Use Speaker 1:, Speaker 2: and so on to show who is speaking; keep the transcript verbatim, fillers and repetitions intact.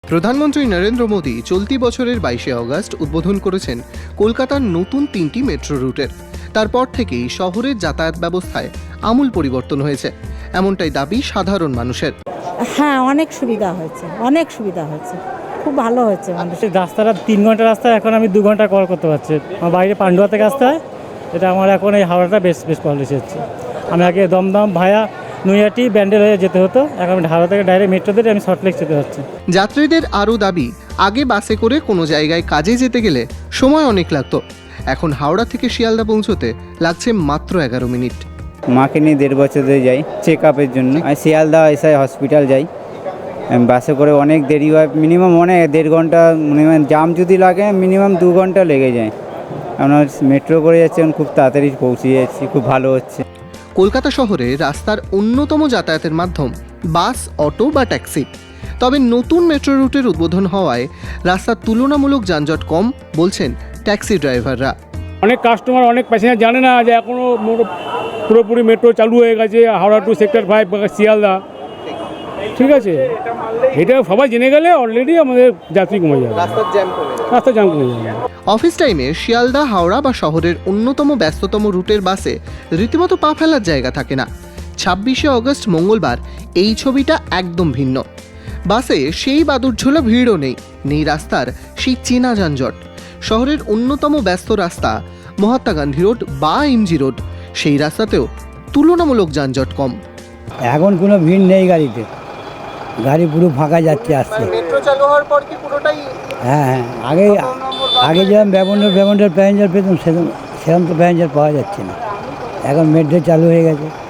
Speaker 1: প্রধানমন্ত্রী নরেন্দ্র মোদী চলতি বছরের বাইশে অগস্ট উদ্বোধন করেছেন কলকাতার নতুন তিনটি মেট্রো রুটের। তারপর থেকেই শহরের যাতায়াত ব্যবস্থায় আমূল পরিবর্তন হয়েছে, এমনটাই দাবি সাধারণ মানুষের।
Speaker 2: হ্যাঁ, অনেক সুবিধা হয়েছে, অনেক সুবিধা হয়েছে, খুব ভালো হয়েছে। মানুষের
Speaker 3: রাস্তাটা তিন ঘন্টা রাস্তা, এখন আমি দু ঘন্টা কল করতে পারছি। আমার বাইরে পান্ডুয়া থেকে আসতে হয়, এটা আমার এখন এই হাওড়াটা বেশ বেশ পলিসি হচ্ছে। আমি আগে দমদম ভায়া নৈহাটি ব্যান্ডেল হয়ে যেতে হতো, এখন হাওড়া থেকে ডাইরেক্ট মেট্রো দিয়ে আমি সল্টলেক যেতে পারছি।
Speaker 1: যাত্রীদের আরও দাবি, আগে বাসে করে কোনো জায়গায় কাজে যেতে গেলে সময় অনেক লাগতো, এখন হাওড়া থেকে শিয়ালদা পৌঁছতে লাগছে মাত্র এগারো মিনিট।
Speaker 4: মাকে নিয়ে দেড় বছর ধরে যাই চেক আপের জন্য। আমি শিয়ালদা এসআই হসপিটাল যাই, বাসে করে অনেক দেরি হয়, মিনিমাম অনেক দেড় ঘন্টা, মিনিমাম জাম যদি লাগে মিনিমাম দু ঘন্টা লেগে যায়। আমরা মেট্রো করে যাচ্ছি, এখন খুব তাড়াতাড়ি পৌঁছে যাচ্ছি, খুব ভালো হচ্ছে।
Speaker 1: কলকাতা শহরে রাস্তার অন্যতম যাতায়াতের মাধ্যম বাস, অটো বা ট্যাক্সি। তবে নতুন মেট্রো রুটের উদ্বোধন হওয়ায় রাস্তার তুলনামূলক যানজট কম বলছেন ট্যাক্সি ড্রাইভাররা।
Speaker 5: অনেক কাস্টমার, অনেক প্যাসেঞ্জার জানে না যে এখনও পুরোপুরি মেট্রো চালু হয়ে গেছে Howrah to sector five Sealdah. ঠিক আছে, এটা সবাই জেনে গেলে অলরেডি আমাদের যাত্রী কমে যাবে, রাস্তার জ্যাম কমে যাবে।
Speaker 1: অফিস টাইমে শিয়ালদা, হাওড়া বা শহরের অন্যতম ব্যস্ততম রুটের বাসে রীতিমতো পা ফেলার জায়গা থাকে না। ছাব্বিশে অগস্ট মঙ্গলবার এই ছবিটা একদম ভিন্ন। বাসে সেই বাদুড়ঝোলা ভিড়ও নেই, নেই রাস্তার সেই চেনা যানজট। শহরের অন্যতম ব্যস্ত রাস্তা মহাত্মা গান্ধী রোড বা এমজি রোড, সেই রাস্তাতেও তুলনামূলক যানজট কম।
Speaker 6: এখন কোনো ভিড় নেই গাড়িতে, গাড়ি পুরো ফাঁকা যাচ্ছে আসছে।
Speaker 1: মেট্রো চালু হওয়ার পর কি পুরোটাই?
Speaker 6: হ্যাঁ হ্যাঁ, আগে আগে যেরকম ব্যবহার ব্যবহার প্যাসেঞ্জার পেতাম, সেরকম সেরকম তো প্যাসেঞ্জার পাওয়া যাচ্ছে না। এখন মেট্রো চালু হয়ে গেছে।